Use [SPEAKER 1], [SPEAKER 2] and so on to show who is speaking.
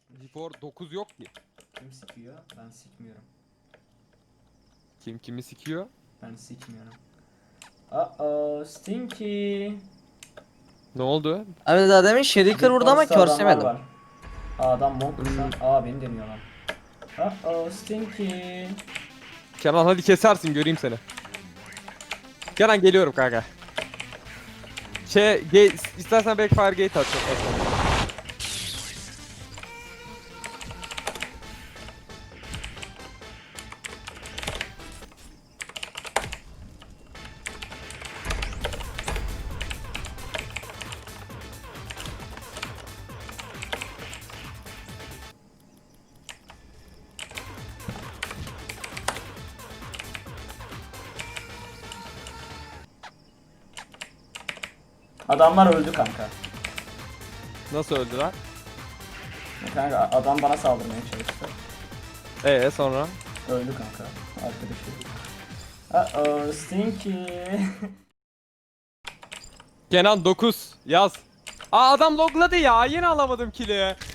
[SPEAKER 1] Before 9 yok ki.
[SPEAKER 2] Kim sikiyor? Ben sikmiyorum.
[SPEAKER 1] Kim kimi sikiyor?
[SPEAKER 2] Ben sikmiyorum. Uh-oh, Stinky.
[SPEAKER 1] Ne oldu?
[SPEAKER 3] Abi daha demin Shuriken vurdu ama
[SPEAKER 2] Beatbox'ta adamlar
[SPEAKER 3] körsemedim.
[SPEAKER 2] var. Adam monkmuş lan. Beni deniyorlar. Uh-oh, Stinky.
[SPEAKER 1] Kenan hadi kesersin göreyim seni. Kenan geliyorum kanka. İstersen backfire gate at.
[SPEAKER 2] Adamlar öldü kanka.
[SPEAKER 1] Nasıl öldüler?
[SPEAKER 2] Kanka adam bana saldırmaya çalıştı.
[SPEAKER 1] Sonra?
[SPEAKER 2] Öldü kanka. Arkadaşı. Uh-oh, Stinky.
[SPEAKER 1] Kenan 9 yaz. Adam logladı ya, yine alamadım kill'i.